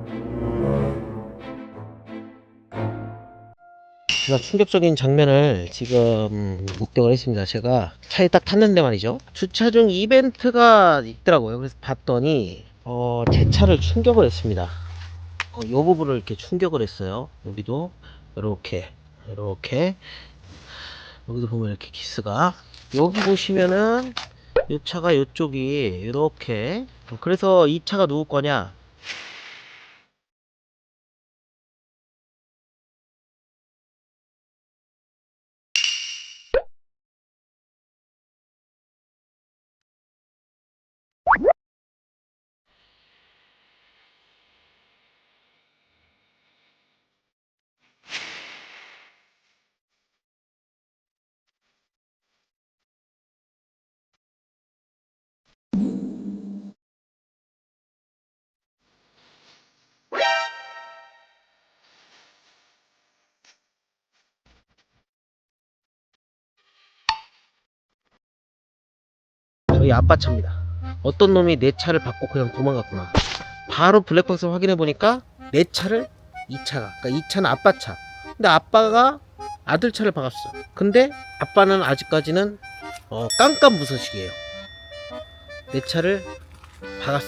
제가 충격적인 장면을 지금 목격을 했습니다. 제가 차에 딱 탔는데 말이죠, 주차 중 이벤트가 있더라고요. 그래서 봤더니 제 차를 충격을 했습니다. 이 부분을 이렇게 충격을 했어요. 여기도 이렇게 여기도 보면 이렇게 기스가, 여기 보시면은 이 차가 이쪽이 이렇게, 그래서 이 차가 누구 거냐, 저희 아빠 차입니다. 어떤 놈이 내 차를 받고 그냥 도망갔구나. 바로 블랙박스 확인해 보니까 내 차를, 이 차가, 그러니까 이 차는 아빠 차. 근데 아빠가 아들 차를 박았어. 근데 아빠는 아직까지는 깜깜무소식이에요. 내 차를 박았어.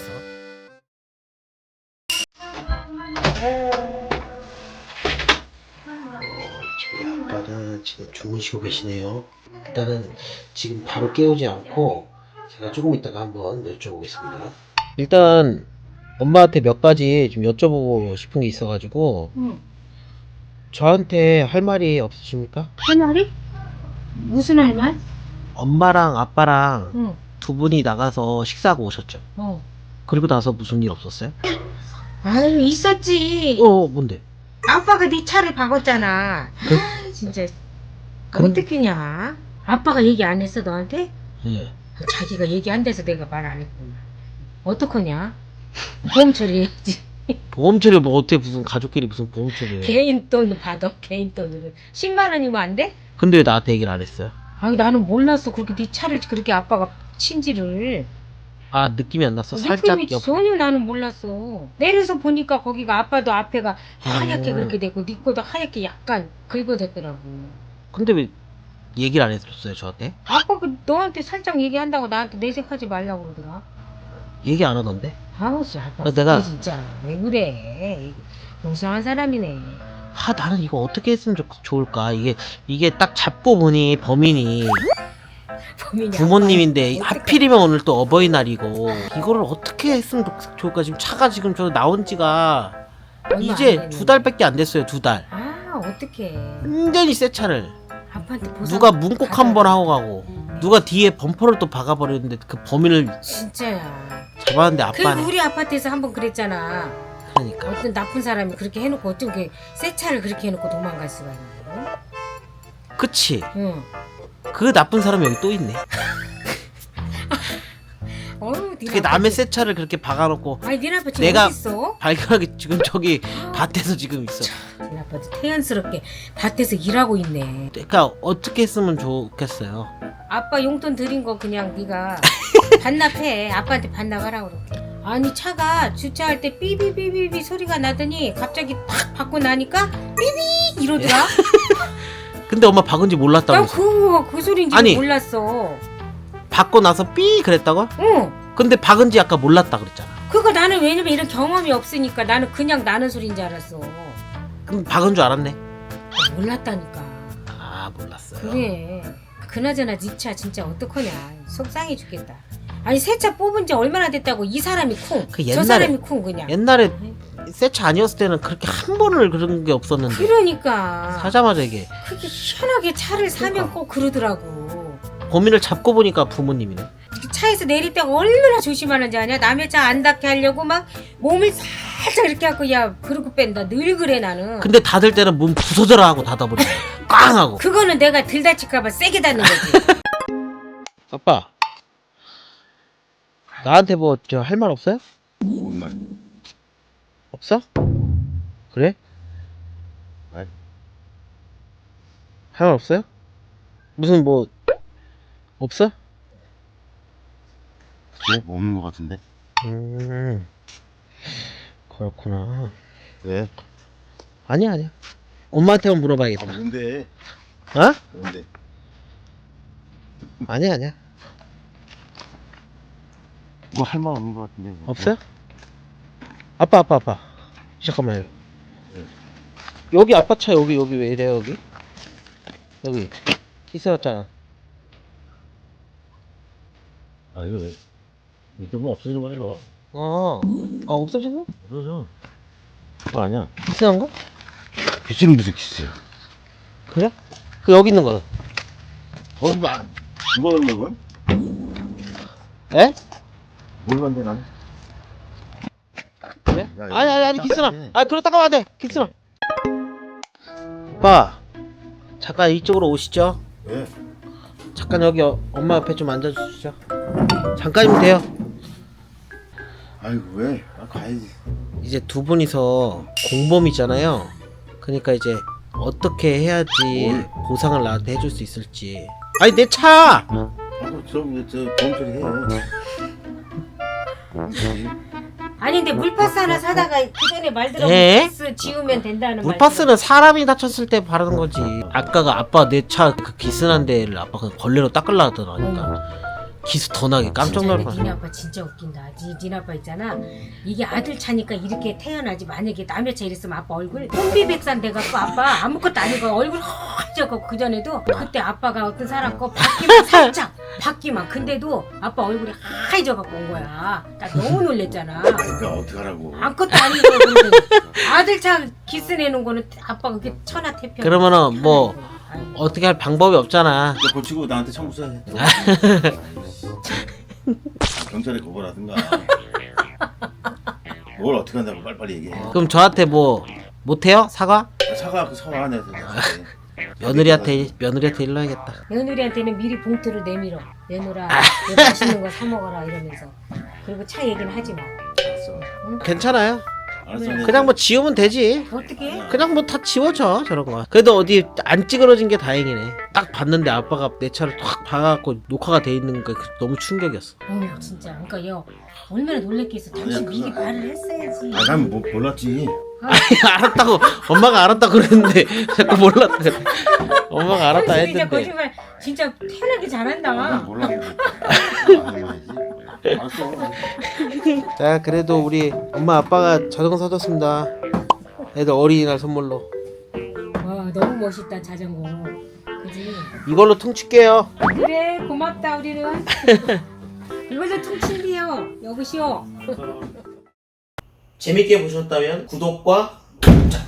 저희 아빠는 지금 주무시고 계시네요. 일단은 지금 바로 깨우지 않고 제가 조금 있다가 한번 여쭤보겠습니다. 일단 엄마한테 몇 가지 좀 여쭤보고 싶은 게 있어가지고. 응. 저한테 할 말이 없으십니까? 할 말이? 무슨 할 말? 엄마랑 아빠랑 응. 두 분이 나가서 식사하고 오셨죠? 그리고 나서 무슨 일 없었어요? 아유, 있었지. 뭔데? 아빠가 네 차를 박았잖아. 아, 진짜. 어떡하냐? 아빠가 얘기 안 했어, 너한테? 예. 자기가 얘기 안 돼서 내가 말 안 했구나. 어떡하냐? 보험 처리해야지. 보험 처리 뭐 어떻게, 무슨 가족끼리 무슨 보험 처리해? 개인 돈 받아, 개인 돈으로. 10만 원이면 안 돼? 근데 왜 나한테 얘기를 안 했어요? 아니, 나는 몰랐어. 그렇게 네 차를 그렇게 아빠가 친지를. 아, 느낌이 안 났어? 살짝 느낌이 전혀 나는 몰랐어. 내려서 보니까 거기가 아빠도 앞에가 하얗게 그렇게 됐고 네 거도 하얗게 약간 긁어댔더라고. 근데 왜 얘기를 안 해줬어요, 저한테? 아빠 그 너한테 살짝 얘기한다고 나한테 내색하지 말라고 그러더라. 얘기 안 하던데? 아우 씨 아빠 내가- 진짜 왜 그래. 용서한 사람이네. 나는 이거 어떻게 했으면 좋을까? 이게 딱 잡고 보니 범인이 범인이 부모님인데, 아빠야. 하필이면 오늘 또 어버이날이고, 이거를 어떻게 했으면 좋을까? 지금 차가 지금 저 나온 지가 얼마 안 이제 됐는데. 2달밖에 안 됐어요. 2달. 아 어떡해. 완전히 새 차를 아빠한테 보상 누가 문콕 받아야 한번 돼. 하고 가고, 누가 뒤에 범퍼를 또 박아버렸는데 그 범인을 진짜야. 잡았는데 그리고 아빠네. 우리 아파트에서 한번 그랬잖아. 그러니까 어떤 나쁜 사람이 그렇게 해놓고 어떻게 새 차를 그렇게 해놓고 도망갈 수가 있는 그치. 응. 그 나쁜 사람이 여기 또 있네. 어휴, 어떻게 남의 새 차를 그렇게 박아놓고 아니 니네 아빠 지금 내가- 어딨어? 발견하게 지금 저기 밭에서 지금 있어. 니네 아빠도 태연스럽게 밭에서 일하고 있네. 그러니까 어떻게 했으면 좋겠어요. 아빠 용돈 드린 거 그냥 네가 반납해. 아빠한테 반납하라고 그럴게. 아니 차가 주차할 때 삐비비비비 소리가 나더니 갑자기 탁 받고 나니까 삐비 이러더라. 근데 엄마 박은지 몰랐다면서. 난그 소리인지 아니. 몰랐어. 받고 나서 삐 그랬다고? 응. 근데 박은지 아까 몰랐다 그랬잖아. 그거 나는 왜냐면 이런 경험이 없으니까 나는 그냥 나는 소리인 줄 알았어. 그럼 박은 줄 알았네. 몰랐다니까. 아, 몰랐어요. 그래. 그나저나 네 차 진짜 어떡하냐. 속상해 죽겠다. 아니 새 차 뽑은 지 얼마나 됐다고 이 사람이 쿵. 그 저 옛날에- 사람이 쿵 그냥. 옛날에 새 차 아니었을 때는 그렇게 한 번을 그런 게 없었는데 그러니까. 사자마자 이게 그게 희한하게 차를 사면 그러니까. 꼭 그러더라고. 범인을 잡고 보니까 부모님이네. 차에서 내릴 때가 얼마나 조심하는지 아냐? 남의 차 안 닿게 하려고 막 몸을 살짝 이렇게 하고 야 그러고 뺀다. 늘 그래 나는. 근데 닫을 때는 문 부서져라 하고 닫아버리고 꽝 하고. 그거는 내가 들 다칠까봐 세게 닫는 거지. 아빠, 나한테 뭐 저 할 말 없어요? 뭔 말? 없어? 그래? 말? 할 말 없어요? 무슨 뭐 없어? 그래? 없는 것 같은데? 그렇구나. 왜? 아니야. 엄마한테만 물어봐야겠다. 뭔데? 어? 뭔데? 아니야. 뭐 할 말 없는 것 같은데. 없어요? 아빠. 잠깐만요. 여기 아빠 차 여기 왜 이래 여기? 여기 있어놨잖아. 아 이거 왜? 이거 없어지는 거야 이거. 없어졌어? 없어져. 그거 아니야. 이상한 거? 빗질을 무슨 기스야? 그래? 그 여기 있는 거는? 이거 넣는 건? 에? 뭘 만데 난? 그래? 야, 이거 아니 기스나. 해. 그렇다고 하면 안 돼. 기스나. 오빠 잠깐 이쪽으로 오시죠. 왜? 잠깐 여기 엄마 옆에 좀 앉아주시죠. 잠깐이면 돼요. 아이고 왜? 가야지. 이제 두 분이서 공범이잖아요. 그러니까 이제 어떻게 해야지 뭘? 보상을 나한테 해줄 수 있을지. 아니 내 차! 하고 좀 범처리 해. 아니 근데 물파스 하나 사다가 그 전에 말대로 에? 물파스 지우면 된다는 물파스는 사람이 다쳤을 때 바르는 거지. 아까가 아빠 내 차 그 기스난 데를 아빠가 걸레로 닦으려고 하더라니까. 기스 더 나게 깜짝 놀랄 니네 뻔. 아빠 진짜 웃긴다. 니네 아빠 있잖아. 이게 아들 차니까 이렇게 태어나지. 만약에 남의 차 이랬으면 아빠 얼굴 혼비백산 돼갖고 아빠 아무것도 아니고 얼굴 허해져갖고 그 전에도 그때 아빠가 어떤 사람 거 바퀴만 살짝 바퀴만 근데도 아빠 얼굴이 하얘져갖고 온 거야. 나 너무 놀랬잖아. 그러니까 어떡하라고. 아무것도 아니고 근데 아들 차 기스 내는 거는 아빠가 그게 천하태평. 그러면은 뭐 아이고. 어떻게 할 방법이 없잖아. 너 고치고 나한테 청구서해. 경찰에 고발하든가. 뭘 어떻게 한다고 빨리빨리 얘기해. 그럼 저한테 뭐 못해요? 사과? 사과 내서. 며느리한테 일러야겠다. 며느리한테는 미리 봉투를 내밀어. 내놓으라. 이거 맛있는 거 사 먹어라 이러면서. 그리고 차 얘기는 하지 마. 괜찮아요. 알았어. 그냥 뭐 지우면 되지. 어떻게? 그냥 뭐 다 지워져 저런 거. 그래도 어디 안 찌그러진 게 다행이네. 딱 봤는데 아빠가 내 차를 확 박아갖고 녹화가 돼 있는 게 너무 충격이었어. 진짜. 그러니까 얘 얼마나 놀랬겠어. 당신 아니야, 미리 그거 말을 했어야지. 난 뭐 몰랐지. 알았다고 엄마가 알았다 그랬는데 자꾸 몰랐다 그래. 엄마가 알았다 진짜 했는데. 거짓말 진짜 태어나기 잘한다. 난 몰랐는데. 알았어. 자 그래도 우리 엄마 아빠가 자전거 사줬습니다. 애들 어린이날 선물로. 와 너무 멋있다 자전거. 그지? 이걸로 퉁칠게요. 그래 고맙다 우리는. 이걸로 퉁친디요. 여보시오. 재밌게 보셨다면 구독과